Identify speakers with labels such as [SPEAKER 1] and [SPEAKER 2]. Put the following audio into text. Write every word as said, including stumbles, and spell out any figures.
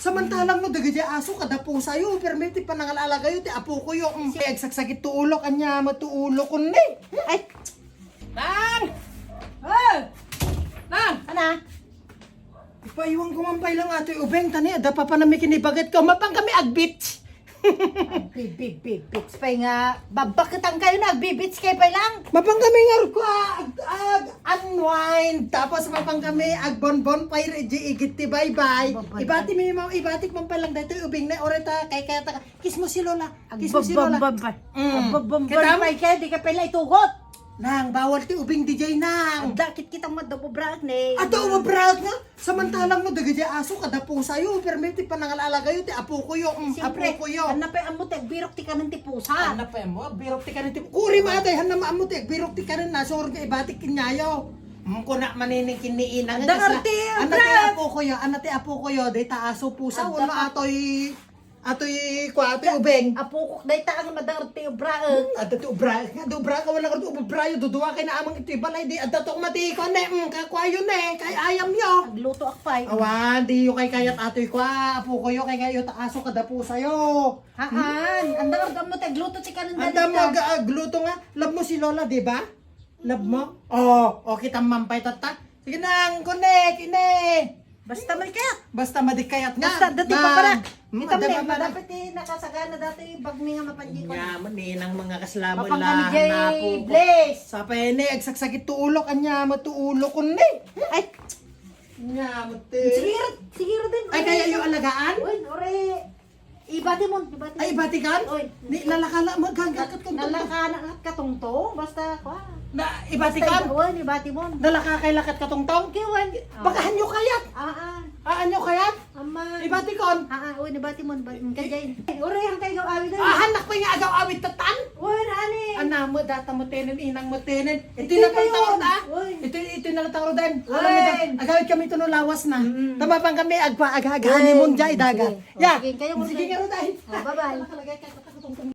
[SPEAKER 1] Samantalang no, dagay aso kada po sa'yo, permiti pa nangalalaga yun, ti apo ko yung mm, agsakit tuulok, anya matuulok ko ni.
[SPEAKER 2] Ay!
[SPEAKER 1] Nang! Hey! Nang!
[SPEAKER 2] Ana?
[SPEAKER 1] Ipaiwan ko mampay lang ato yung ubeng, tani, ada pa pa namin kinibagat ko, mapang kami agbit.
[SPEAKER 2] Bib, bib, bib, pay nga. Babakitang kayo na, bibits kayo pa lang.
[SPEAKER 1] Mapang kami nga ko ag, ag unwind, tapos mapang kami ag bonbon pa igit ti bye bye. Ibati mi mga ibatik man pa lang dito ubing na oreta kay kaya ta kiss mo si Lola. Kiss mo si Lola.
[SPEAKER 2] Agbabambam.
[SPEAKER 1] Mm.
[SPEAKER 2] Agbabambam
[SPEAKER 1] Kita-
[SPEAKER 2] pay kayo, di ka pala itugot.
[SPEAKER 1] Nang bawal ti ubing D J nang.
[SPEAKER 2] Ang dakit kitang madabobrak ni.
[SPEAKER 1] Ato umabrat nga. Samantalang mo dagay aso kada po sa'yo, permiti pa nangalalaga yun ti apo ko yung mm,
[SPEAKER 2] Siyempre,
[SPEAKER 1] apo ko yung.
[SPEAKER 2] hanapay ang mutek, birok ti ka ng tipusa.
[SPEAKER 1] Hanap pa mo, birok ti ka rin ti. Kuri matay, hanap mo ti, birok ti ka rin na, sure ka ibatik kinyayo. Mko na manining kiniinang.
[SPEAKER 2] Dangarte,
[SPEAKER 1] Anak ti
[SPEAKER 2] Brad!
[SPEAKER 1] apo ko yo, anak ti apo ko yo, day taaso pusa,
[SPEAKER 2] Ang
[SPEAKER 1] wala
[SPEAKER 2] dapat-
[SPEAKER 1] atoy, atoy, kwa, atoy ubeng.
[SPEAKER 2] Apukok day ta ang madangarte brae.
[SPEAKER 1] Ato ti ubra, nga do ubra ka, wala ka do ubra yo, duduwa kay na amang ito balay, di, adto tong matiko ne, mm, kakwayo ne, kay ayam yo.
[SPEAKER 2] Agluto akpay.
[SPEAKER 1] Awan, di yo kay kayat atoy kwa, apo ko yo, kay kayo taaso kada po sa'yo.
[SPEAKER 2] Haan, ang dangar mo te, gluto ti ka ng
[SPEAKER 1] Anda mo aga gluto nga. Love mo si Lola, di ba? Love mo? Oo, oh, kita mampay tata. Sige nang, kunek, ine.
[SPEAKER 2] Basta may kaya.
[SPEAKER 1] Basta madikayat nga.
[SPEAKER 2] Basta dati
[SPEAKER 1] Nang.
[SPEAKER 2] pa para.
[SPEAKER 1] Hmm,
[SPEAKER 2] Kita
[SPEAKER 1] ada
[SPEAKER 2] mo
[SPEAKER 1] pa para.
[SPEAKER 2] dapat eh nakasagana dati bag mi nga mapanji ko.
[SPEAKER 1] Nya, maninang mga kaslamo
[SPEAKER 2] Mapang kami
[SPEAKER 1] la.
[SPEAKER 2] jay
[SPEAKER 1] Napo.
[SPEAKER 2] Blaze.
[SPEAKER 1] Sa pene, agsaksakit tuulok, anya, matuulok ko ni.
[SPEAKER 2] Ay,
[SPEAKER 1] Nya, mati.
[SPEAKER 2] sigiro, sigiro din.
[SPEAKER 1] Ay, kaya yung alagaan?
[SPEAKER 2] Uy, ore. Ibati mo, ibati.
[SPEAKER 1] Ay, batikan?
[SPEAKER 2] Oy.
[SPEAKER 1] Ni, lalakala, maghangakat kong
[SPEAKER 2] Nalakana at katungtong, basta kwa.
[SPEAKER 1] Na, ibatikan?
[SPEAKER 2] Uy, ibati mo.
[SPEAKER 1] Nalakakailakat katong-tong?
[SPEAKER 2] Kiwan.
[SPEAKER 1] Baka hanyo kayat?
[SPEAKER 2] Ah, ah.
[SPEAKER 1] Ah, anyo kayat?
[SPEAKER 2] Ama.
[SPEAKER 1] Ibatikon?
[SPEAKER 2] Ah, ah, uy, ibati mo, ibati mo. Kajay. Ore, ang kayo awit na.
[SPEAKER 1] Ah, hanak ko yung agaw awit tatan?
[SPEAKER 2] Uy, nani.
[SPEAKER 1] Ana mo, data mo tenen, inang mo tenen. Ito
[SPEAKER 2] Hindi
[SPEAKER 1] na pang
[SPEAKER 2] kayo.
[SPEAKER 1] tawad ah.
[SPEAKER 2] Uy.
[SPEAKER 1] Ito, ito na lang tawad din.
[SPEAKER 2] Uy.
[SPEAKER 1] Alam mo da, agawit kami ito no lawas na.
[SPEAKER 2] Mm-mm.
[SPEAKER 1] Tama pang kami, agpa, agagani mong jay daga.
[SPEAKER 2] Sige.
[SPEAKER 1] Ya,
[SPEAKER 2] Sige, kayo mo
[SPEAKER 1] sige
[SPEAKER 2] dahil.
[SPEAKER 1] nga ro dahil.
[SPEAKER 2] Ah, bye-bye.
[SPEAKER 1] Nakalagay ka, katakotong